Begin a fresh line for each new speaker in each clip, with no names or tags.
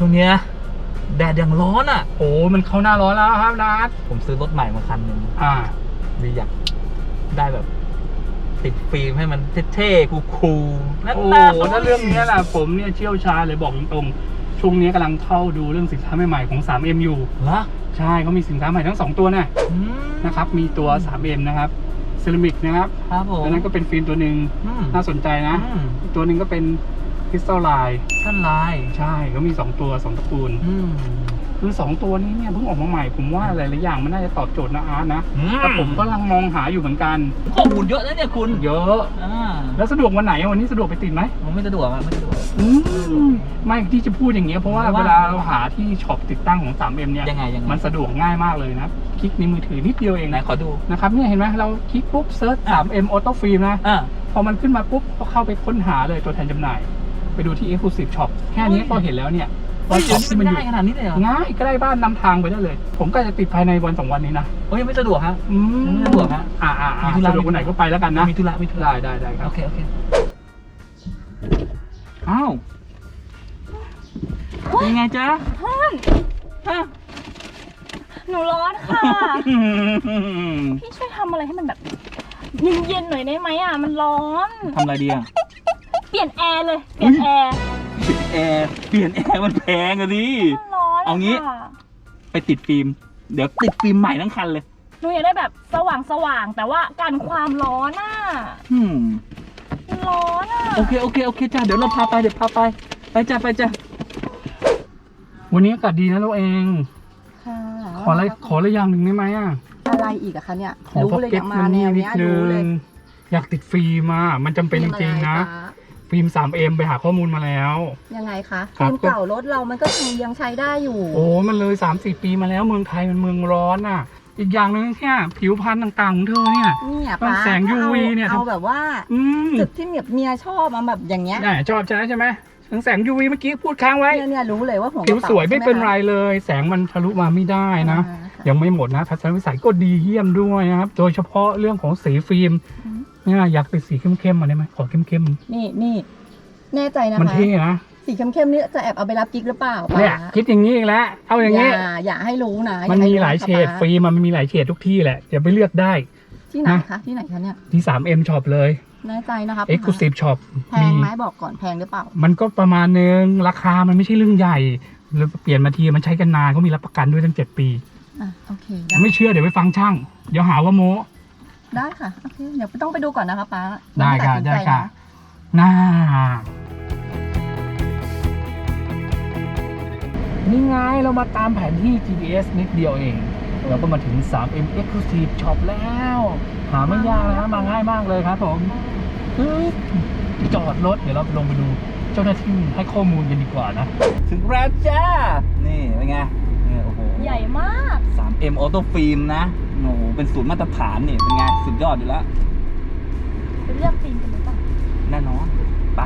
ช่วงเนี้ยแดดยังร้อนอ่ะ
โอ้มันเข้าหน้าร้อนแล้วครับนัด
ผมซื้อรถใหม่มาคันหนึ่งดีอยากได้แบบติดฟิล์มให้มันเท่ๆคูลๆนั่น
โอ้
น่า
โหถ้าเรื่องนี้แหละผมเนี่ยเชี่ยวชาญเลยบอกตรงๆช่วงนี้กำลังเข้าดูเรื่องสินค้าใหม่ๆของ 3M อยู่
เหรอ
ใช่เขามีสินค้าใหม่ทั้ง2ตัวนะครับมีตัว 3M นะครับเซรามิกนะครับ
ครับผม
แล้วนั้นก็เป็นฟิล์มตัวหนึ่งน่าสนใจนะอีกตัวหนึ่งก็เป็นคริสตัลไลน์
ขั้นลาย
ใช่เขามี2ตัว2ตระกูลคือ2ตัวนี้เนี่ยเพิ่งออกมาใหม่ผมว่าหลายๆอย่างมันน่าจะตอบโจทย์นะอาร์ตนะแต่ผมก็กำลังมองหาอยู่เหมือนกัน
ข้อมูลเยอะนะเนี่ยคุณ
เยอะแล้วสะดวกวันไหนวันนี้สะดวกไปติดไหม
ผมไม่สะดวกไม่สะดวก
ไม่ที่จะพูดอย่างเงี้ยเพราะว่าเวลาเราหาที่ช็อปติดตั้งของ 3M เนี่ย
ยังไง
มันสะดวกง่ายมากเลยนะคลิกในมือถือนิดเดียวเอง
ไหนขอดู
นะครับเนี่ยเห็นไหมเราคลิกปุ๊บเซิร์ช 3M Auto Film นะพอมันขึ้นมาปุ๊บก็เข้าไปค้นหาเลยตัวแทนจำหน่ายไปดูที่ Exclusive Shop แค่นี้ก็เห็นแล้วเนี่ย
ว่าช็อปที่มันอยู่ขนาดนี้เลยเหรอ
ง่ายใกล้บ้านนำทางไปได้เลยผมก็จะติดภายในวัน2วันนี้นะ
ยังไม่สะดวกฮะไม่สะดวกฮะ
สะดวกวันไหนก็ไปแล้วกันนะ
มีธุระ
ได้ครับ
โอเค
อ้าว
เป็นไงจ๊ะ
หนูร้อนค่ะพี่ช่วยทำอะไรให้มันแบบเย็นๆหน่อยได้ไหมอ่ะมันร้อน
ทำอะไรดีอ่ะ
เปลี่ยนแอร์เลยเปลี่ยนแอร์
มันแพงอะดิ
ร้อน
เอางี้ไปติดฟิล์มเดี๋ยวติดฟิล์มใหม่ทั้งคันเลย
หนูอยากได้แบบสว่างแต่ว่ากันความร้อนอ่ะร้อนอ่ะ
โอเคจ้าเดี๋ยวเราพาไปไปจ้า
วันนี้อากาศดีนะเราเองขออะไรอย่างหนึ่งได้ไหมอ่ะ
อะไรอีกอะคะเนี่ย
รู้เลยอยากมาแนวนี้รู้เลยอยากติดฟิล์มมันจำเป็นจริงๆนะฟิล์ม 3M ไปหาข้อมูลมาแล้ว
ยังไงคะฟิล์มเก่ารถเรามันก็ยังใช้ได้อยู่
โอ้มันเลย 3-4 ปีมาแล้วเมืองไทยมันเมืองร้อนอ่ะอีกอย่างนึงแค่ผิวพรรณต่างๆของเธอเนี่ยต้องแสง UV เนี่ย
เอาแบบว่าจุดที่เมียชอบมาแบบอย่างเงี้ย
ชอบใช่ไหมแสง UV เมื่อกี้พูดค้างไว้
เนี่ยรู้เลยว่าหัว
ผิวสวยไม่เป็นไรเลยแสงมันทะลุมาไม่ได้นะยังไม่หมดนะทัศนวิสัยก็ดีเยี่ยมด้วยนะครับโดยเฉพาะเรื่องของสีฟิล์มเนี่ยอยากเป็นสีเข้มๆมาได้ไหมขอเข้ม
ๆนี่แน่ใจนะคะ
มันเท่นะ
สีเข้มๆนี่จะแอบเอาไปรับกิ๊กหรือเปล่า
เนี่ยคิดอย่างนี้อีกแล้วเอาอย่างนี้
อย่าให้รู้นะ
มันมีหลายเฉดฟิล์มมันมีหลายเฉดทุกที่แหละอย่าไปเลือกได้
ที่ไหนคะเนี่ย
ที่ 3M Shop เลย
แน่ใจนะคะ
Exclusive Shop
แพงไหมบอกก่อนแพงหรือเปล่า
มันก็ประมาณนึงราคามันไม่ใช่เรื่องใหญ่แล้วเปลี่ยนมาทีมันใช้กันนานเขามีรับประกันด้วยตั้ง7 ปี
โอเค
ไม่เชื่อเดี๋ยวไปฟังช่างเดี๋ยวหาว่าโม้
ได้ค่ะโอเคเดี๋ยวต้องไปดูก่อนนะคะป้า
ได้ค่ะนี่ไงเรามาตามแผนที่ GPS นิดเดียวเองเราก็มาถึง 3M Exclusive Shop แล้วหาไม่ยากนะมาง่ายมากเลยครับผมจอดรถเดี๋ยวเราลงไปดูเจ้าหน้าที่ให้ข้อมูลกันดีกว่านะ
ถึงแล้วจ้านี่เป็นไงโอ้โห
ใหญ่มาก
3M Auto Film นะโอ้โหเป็นสูตรมาตรฐานนี่เป็นไงสุดยอดอยู่แล้ว
ไปเลือกฟิล์มกันหรือเปล่า
แน่นอนไป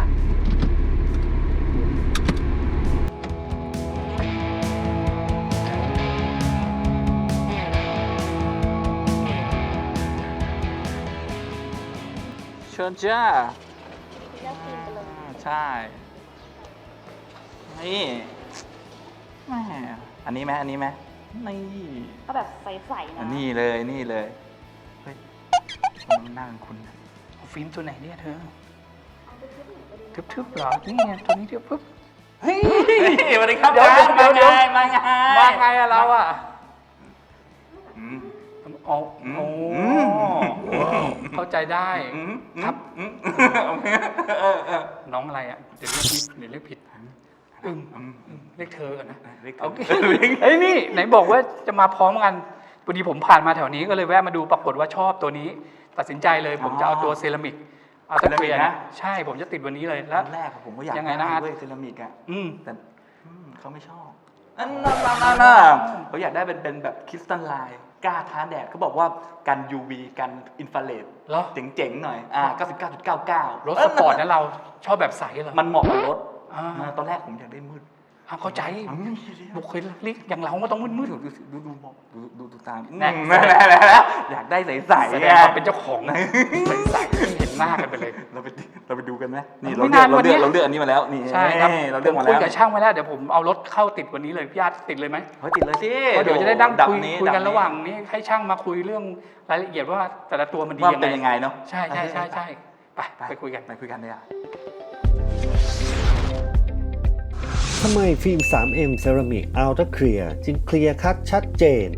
เชิญจ้าใช่นี่แม่อันนี้ไหมนี่
ก็แบบใสๆนะ
นี่เลยเฮ้ยมันน่าเป็นคุณ
ฟิล์มตัวไหนเนี่ยเธอทึบๆหรอนี่ตัวนี้ทึบปุ๊บ
เฮ้ยสวัสดีครับมาไงเราอ่ะ
เข้าใจได้ครับน้องอะไรอ่ะเดี๋ยวเรียกผิดเรียกเธอกันนะโอเคเฮ้ยนี่ไหนบอกว่าจะมาพร้อมกันพอดีผมผ่านมาแถวนี้ก็เลยแวะมาดูปรากฏว่าชอบตัวนี้ตัดสินใจเลยผมจะเอาตัวเซรามิกเอาตะเกียบนะใช่ผมจะติดวันนี้เลยแล้ว
แรกผมก็อยาก
ยังไงนะ
ด้วยเซรามิกอ่ะแต่เขาไม่ชอบเขาอยากได้เป็นแบบคริสตัลไลน์กล้าท้าแดดเขาบอกว่ากัน UV กันอินฟราเรดเจ๋งๆหน่อย99.99
รถสปอร์ตนั้นเราชอบแบบใสเหรอ
มันเหมาะกับรถตอนแรกผมอยากได้มืด
เข้าใจบุคลิกอย่างเราก็ต้องมืด
ดูตามอยากได้ใสๆ
เป็นเจ้าของใสๆเห็นหน้ากันไปเลย
เราไปเราไปดูกันไหมนี่
ไม่นานวันนี้
เราเลือกอันนี้มาแล้วนี่
ใช่ครับ
เรา
ผ
เลือก
ม
มา
คุ
แล้
ยว กับช่างไว้แล้วเดี๋ยวผมเอารถเข้าติดวันนี้เลยพี่อาร์ตติดเลยไหม
เฮ้ยติดเลยสิ
เพราะเดี๋ยวจะได้นั่งคุย
นี้
กันระหว่างนี้ให้ช่างมาคุยเรื่องรายละเอียดว่าแต่ละตัวมันดี
ว่ามันเป็นยังไงเนาะ
ใช่ไปคุยกัน
ไปคุยกันเลยอ่ะ
ทำไมฟิล์ม 3M Ceramic Ultra Clear จึงเคลียร์คัดชัดเจน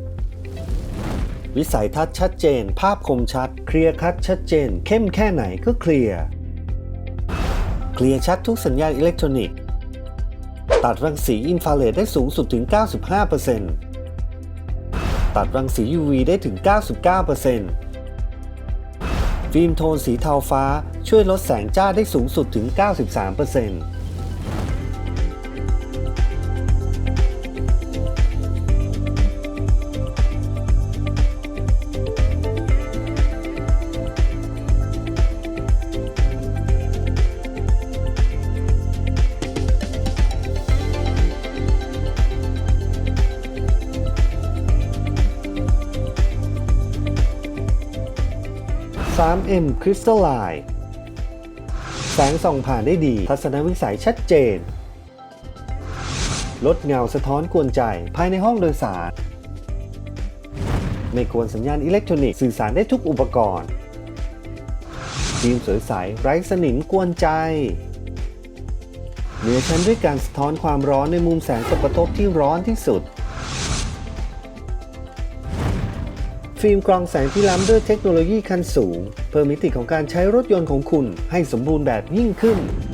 วิสัยทัศน์ชัดเจน ภาพคมชัด เคลียร์คัดชัดเจน เข้มแค่ไหนก็เคลียร์ เคลียร์ชัดทุกสัญญาณอิเล็กทรอนิกส์ ตัดรังสีอินฟราเรดได้สูงสุดถึง 95% ตัดรังสี UV ได้ถึง 99% ฟิล์มโทนสีเทาฟ้าช่วยลดแสงจ้าได้สูงสุดถึง 93% 3M Crystalline แสงส่องผ่านได้ดี ทัศนวิสัยชัดเจน ลดเงาสะท้อนกวนใจภายในห้องโดยสาร ไม่กวนสัญญาณอิเล็กทรอนิกส์สื่อสารได้ทุกอุปกรณ์ฟิล์มสวยใสไร้สนิมกวนใจเหนือชั้นด้วยการสะท้อนความร้อนในมุมแสงตกกระทบที่ร้อนที่สุด ฟิล์มกรองแสงที่ล้ำด้วยเทคโนโลยีขั้นสูง เพิ่มมิติของการใช้รถยนต์ของคุณให้สมบูรณ์แบบยิ่งขึ้น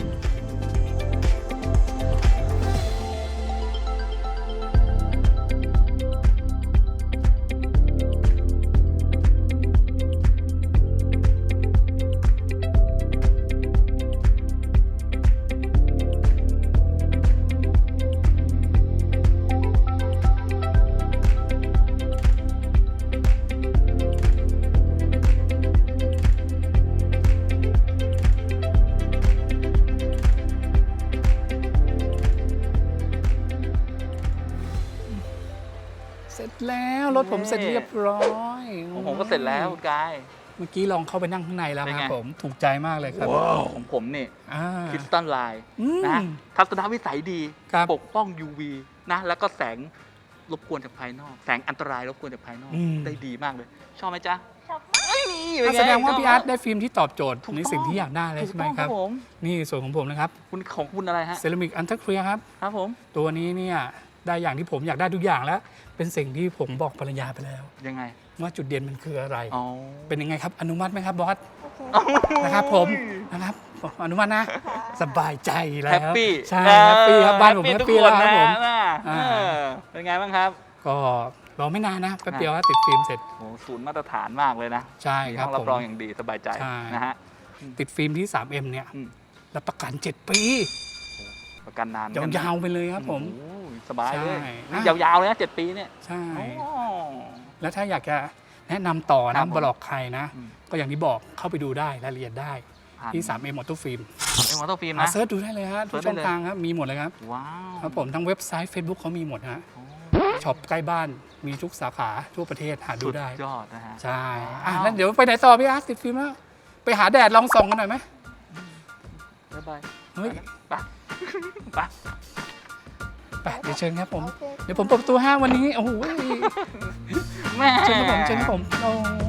เสร็จแล้วรถผมเสร็จเรียบร้อย
ของผมก็เสร็จแล้วคุณกาย
เมื่อกี้ลองเข้าไปนั่งข้างในแล้ว
เป็น
ค
ไง
รับผมถูกใจมากเลยครับ
ของผมนี่
อ่า
คริสตัลไลน์
อืม
นะฮะทัศนวิสัยดี
ครับ
ปกป้อง UV นะแล้วก็แสงรบกวนจากภายนอก แสงอันตรายรบกวนจากภายนอก ได้ดีมากเลย ชอบไหมจ๊ะ
ชอบ
อ่ะแสดงว่าพี่อาร์ตได้ฟิล์มที่ตอบโจทย์
ถูก
ใน
ต้อง
สิ่งที่อยากได้เลย
ถูก
ใช่ไหม
ต้อง
ครับ
ผม
นี่ส่วนของผมนะครับ
คุณของคุณอะไรฮะ
เซรามิกอันเทอร์เคลียร์ครับ
ครับผม
ตัวนี้เนี่ยได้อย่างที่ผมอยากได้ทุกอย่างแล้ว เป็นสิ่งที่ผมบอกภรรยาไปแล้ว
ยังไง
ว่าจุดเด่นมันคืออะไร
อ๋อ
เป็นยังไงครับอนุมัติไหมครับบอสนะครับผมนะครับอนุมัตินะ สบายใจแล้ว
แฮปปี้
ใช่แฮปปี้ครับบ้านผมแฮปปี้แล้วครับผม
อ่าเป็นไงบ้างครับ
ก็รอไม่นานนะแป๊บเดียวก็ติดฟิล์มเสร็จ
โอ้ศูนย์มาตรฐานมากเลยนะ
ใช่
มี
ครั
ห้
บ
องรับ
ผม
รองอย่างดีสบายใจ
ใช่
นะฮะ
ติดฟิล์มที่ 3M เนี่ย
อืม
รับประกัน 7 ปี
ประกันนาน
ยาวๆไปเลยครับผม
โอ้ยสบายเลย
ใช่
นี่ยาวๆเลยนะ7 ปีเนี่ย
ใช่
โอ้
แล้วถ้าอยากจะแนะนำต่อ
ครั
นะ
บผม
บอกใครนะ
อืม
ก็อย่างที่บอกเข้าไปดูได้รายละเอียดได้
ผ่าน
ที่ 3M Auto Film
เอ็มออโต้ฟิล์ม
มา
นะ
เซิร์ชดูได้เลยฮะทุก
เสิ
ช่
ร์ชได้เลย
องทางครับมีหมดเลยครับ
ว้าว
ครับผมทั้งเว็บไซต์ Facebook เขามีหมดฮะ
โอ้
ช็อปใกล้บ้านมีทุกสาขาทั่วประเทศหาดู
สุด
ได้
ยอดนะฮะ
ใช่
ว้าว
แล้วเดี๋ยวไปไหนต่อพี่อาร์ตติดฟิล์มแล้วไปหาแดดลองส่องกันหน่อยไหม
บ๊ายบาย
เฮ้ย
ไปไป
ไปเดี๋ยวเชิญครับผม เดี๋ยวผมเปิดประตูห้างวันนี้โอ้โห
แม่
เชิญครับผมโอ้